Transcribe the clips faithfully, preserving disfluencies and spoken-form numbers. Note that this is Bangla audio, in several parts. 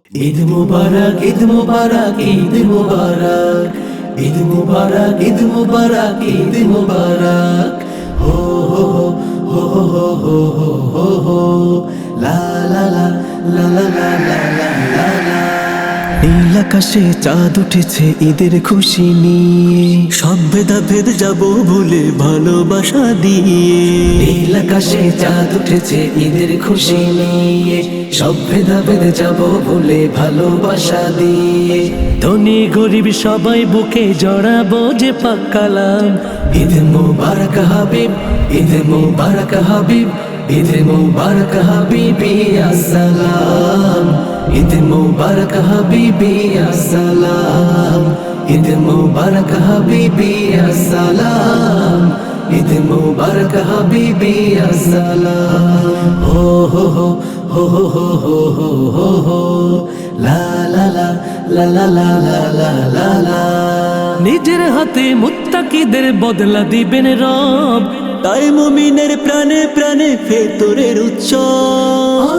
ঈদ মুবারক, ঈদ মুবারক, ঈদ মুবারক, ঈদ মুবারক, ঈদ মুবারক, ঈদ মুবারক। হো হো হো হো হো হো হো হো হো লা লা লা লা লা লা লা লা লা লা। নীল আকাশে চাঁদ উঠেছে ঈদের খুশি নিয়ে, সব ভেদাভেদ যাব ভুলে ভালোবাসা দিয়ে। নীল আকাশে চাঁদ উঠেছে ঈদের খুশি নিয়ে, সব ভেদাভেদ যাব ভুলে ভালোবাসা দিয়ে। ধনী গরিব সবাই বুকে জড়াবো যে পাক কালাম। ঈদ মুবারক হাবিব, ঈদ মুবারক হাবিব, ঈদ মুবারক হাবিবি আসসালাম। ঈদ মুবারক হাবিবি আসসালাম, ঈদ মুবারক হাবিবি আসসালাম, ঈদ মুবারক হাবিবি আসসালাম। হো হো হো হো হো হো হো হো হো লা লা লা লা লা লা লা লা লা লা। নিজের হাতে মুত্তাকিদের বদলা দিবেন রব, তাই মুমিনের প্রাণে প্রাণে ভেতরের উৎসব।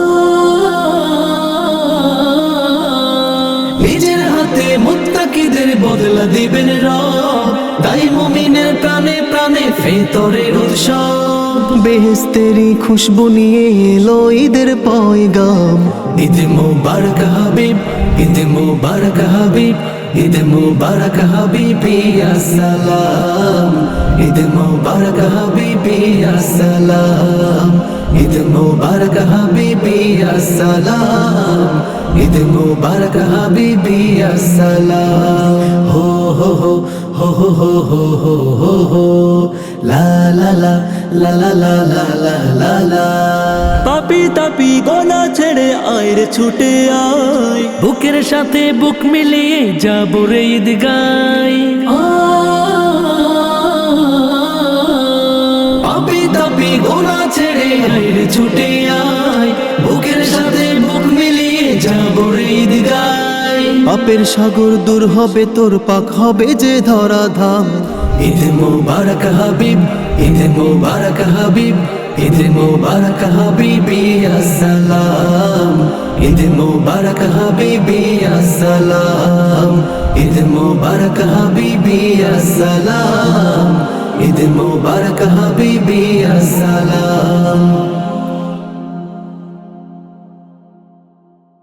নিজের হাতে মুত্তাকিদের বদলা দিবেন রব, তাই মুমিনের প্রাণে প্রাণে ভেতরের উৎসব। বেহেশতেরি খুশবু নিয়ে এলো ঈদের পয়গাম। ঈদ মুবারক হাবিব, ঈদ মুবারক হাবিব, ঈদ মুবারক হাবিবি আসসালাম, ঈদ মুবারক হাবিবি আসসালাম, ঈদ মুবারক হাবিবি আসসালাম, ঈদ মুবারক হাবিবি আসসালাম। হো হো হো হো হো হো হো হো হো লা লা লা লা লা লা লা লা লা লা। পাপি তাপি গলা ছেড়ে আয় রে ছুটে আয়, বুকের সাথে বুক মিলিয়ে যাব রে ঈদ গাই। পাপি তাপি গলা ছেড়ে আয় রে ছুটে আয়, বুকের সাথে বুক মিলিয়ে যাব রে ঈদ গাই। পাপের সাগর দূর হবে তোর, পাক হবে যে ধরা ধাম। ঈদ মুবারক হাবিব, ঈদ মুবারক হাবিব, ঈদ মুবারক হাবিবি আসসালাম, ঈদ মুবারক হাবিবি আসসালাম, ঈদ মুবারক হাবিবি আসসালাম, ঈদ মুবারক হাবিবি আসসালাম।